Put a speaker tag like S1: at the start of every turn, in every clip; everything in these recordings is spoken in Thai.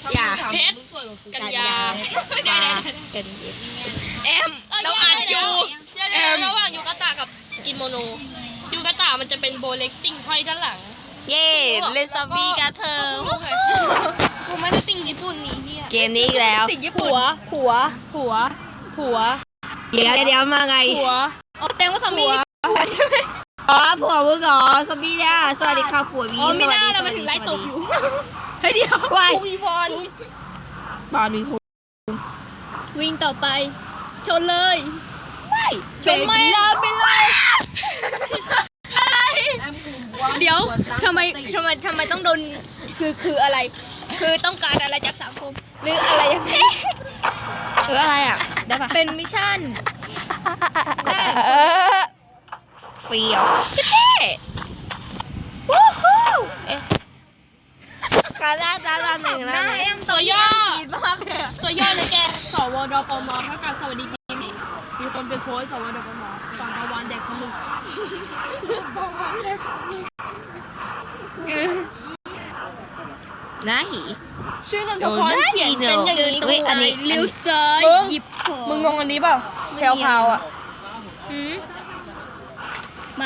S1: อย่า
S2: เพชรกันยา
S1: กันแอมเราอ่านอยู่
S2: ระหว่างยูกาตากับกิโมโนยูกาตามันจะเป็นโบเล็กติ้งห้อยด้านหลัง
S1: เย่เล่นซอมบี้กันเธอ
S2: กูไม่ได้ติ่งญี่ปุ่นนี่เฮีย
S1: เกมนี้อีกแล้ว
S2: ผัว
S1: เดี๋ยวมาไง
S2: ผัว
S1: แสดงว่าซอมบี้อ๋อผัวมึงเหรอซอมบี้เนี่ยสวัสดีค่ะผัววีไม่น่าเรามาถึงไล่ตบอยู่เฮ้ยเดี๋ยววาย
S2: มีบอล
S1: บอลมีผัว
S3: วิ่งต่อไปชนเลย
S2: ชนไม่ลาไปเลย
S3: เดี๋ยวทำไมต้องโดนคืออะไร คือต้องการอะไรจากสังคมหรืออะไรยังไง
S1: อะไรอ่ะได้ปะ
S3: เป็นมิชชั่น
S1: ฟรีเหรอการล่าตาลาหนึ่งแล้ว
S2: ตัวย่อตัวย่อเลยแกสวดปมเท่ากับสวัสดีปีนี้มีคนไปโพสสวดปมสองตะวันเด็กคนหนึ่ง
S1: น้าหี
S2: ชื่อนนทพรเขียนเป็นอย่างนี้
S1: เฮ้ยอันนี้
S3: เลี้ยวซ้าย
S2: มึง
S3: หยิบของ
S2: มึงงงอันนี้เปล่าแพรวพาวอ่ะ
S3: ไม่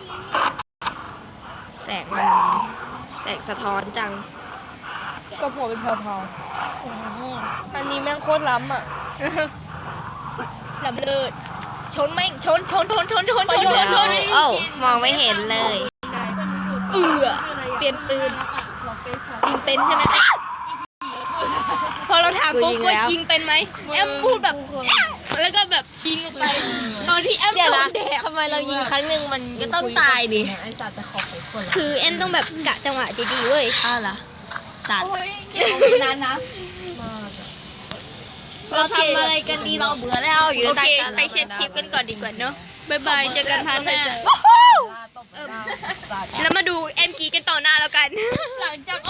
S1: แสงสะท้อนจัง
S2: ก็ผัวเป็นแพรวพาวอันนี้แม่งโคตรล้ำอ่ะ
S3: ลำเลิศชนแม่งชน
S1: เอ้ามองไม่เห็นเลย
S3: เปลี่ยนปืนยิงเป็นใช่ไหมพอเราถามปุ๊บว่ายิงเป็นไหมแอมพูดแบบแล้วก็แบบยิงออกไปตอนที่แอม
S1: เดี๋ยว
S3: โด
S1: นะ
S3: นแดด
S1: ทำไมเรายิงครั้งหนึ่งมันก็ต้องตายดิ
S3: คือแอมต้องแบบกะจังหวะดีๆเว้ย
S1: อ้าวเหรอสัตว์
S3: นานนะ
S1: เราทำอะไรกันดีเราเบื่อแล้วอยู่
S3: โอ
S1: ใต้
S3: เค
S1: ศาลา
S3: ไปเช็ดคลิปกันก่อนดีกว่าเนอะบ๊ายบายเจอกันพาร์ทหน้าแล้วมาดูแอมกีกันต่อหน้าแล้วกัน
S2: หลังจาก